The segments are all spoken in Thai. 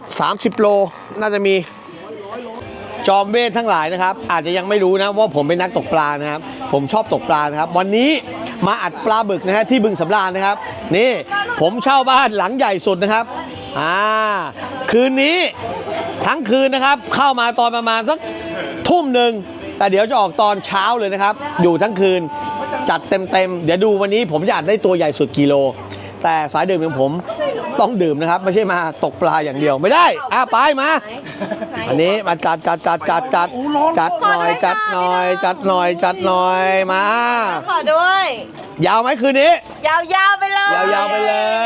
30 โลน่าจะมีจอมเวททั้งหลายนะครับอาจจะยังไม่รู้นะว่าผมเป็นนักตกปลานะครับผมชอบตกปลานะครับวันนี้มาอัดปลาบึกนะฮะที่บึงสำราญนะครับนี่ผมเช่าบ้านหลังใหญ่สุดนะครับคืนนี้ทั้งคืนนะครับเข้ามาตอนประมาณสักทุ่มหนึ่งแต่เดี๋ยวจะออกตอนเช้าเลยนะครับอยู่ทั้งคืนจัดเต็มเดี๋ยวดูวันนี้ผมจะอัดได้ตัวใหญ่สุดกิโลแต่สายดื่มของผมต้องดื่มนะครับไม่ใช่มาตกปลาอย่างเดียวไม่ได้ไปมาอันนี้มาจัดหน่อยจัดหน่อยมาขอด้วยยาวไหมคืนนี้ยาวไปเลยยาวไป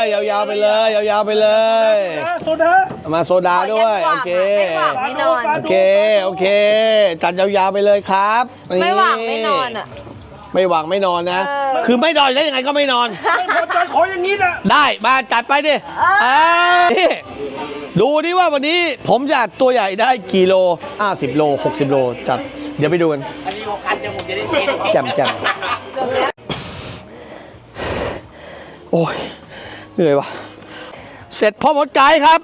เลยโซดามาโซดาด้วยโอเคไม่นอนโอเคจัดยาวๆไปเลยครับไม่หวังไม่นอนอ่ะไม่หวังไม่นอนนะคือไม่นอนได้ยังไงก็ไม่นอนไม่พอใจขออย่างนี้นะได้มาจัดไปดิดูดิว่าวันนี้ผมจะตัวใหญ่ได้กี่โล50 โล60 โลจัดเดี๋ยวไปดูกันอันนี้6 คันจะผมจะได้กินแจ่มโอ้ยเหนื่อยวะเสร็จพ่อมดไกด์ครับ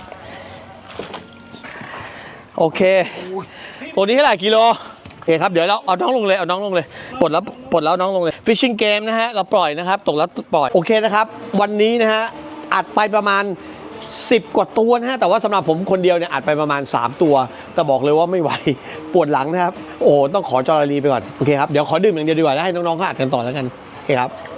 โอเคตัวนี้เท่าไหร่กิโลโอเคครับเดี๋ยวเราเอาน้องลงเลยปลดแล้วน้องลงเลย Fishing Game นะฮะเราปล่อยนะครับตกแล้วปล่อยโอเคนะครับวันนี้นะฮะอัดไปประมาณ10 กว่าตัวนะฮะแต่ว่าสำหรับผมคนเดียวเนี่ยอัดไปประมาณ3 ตัวแต่บอกเลยว่าไม่ไหวปวดหลังนะครับโอ้ต้องขอจอร์ลีไปก่อนโอเคครับเดี๋ยวขอดื่มอย่างเดียวดีกว่าแล้วให้น้องๆเขาอัดกันต่อแล้วกันโอเคครับ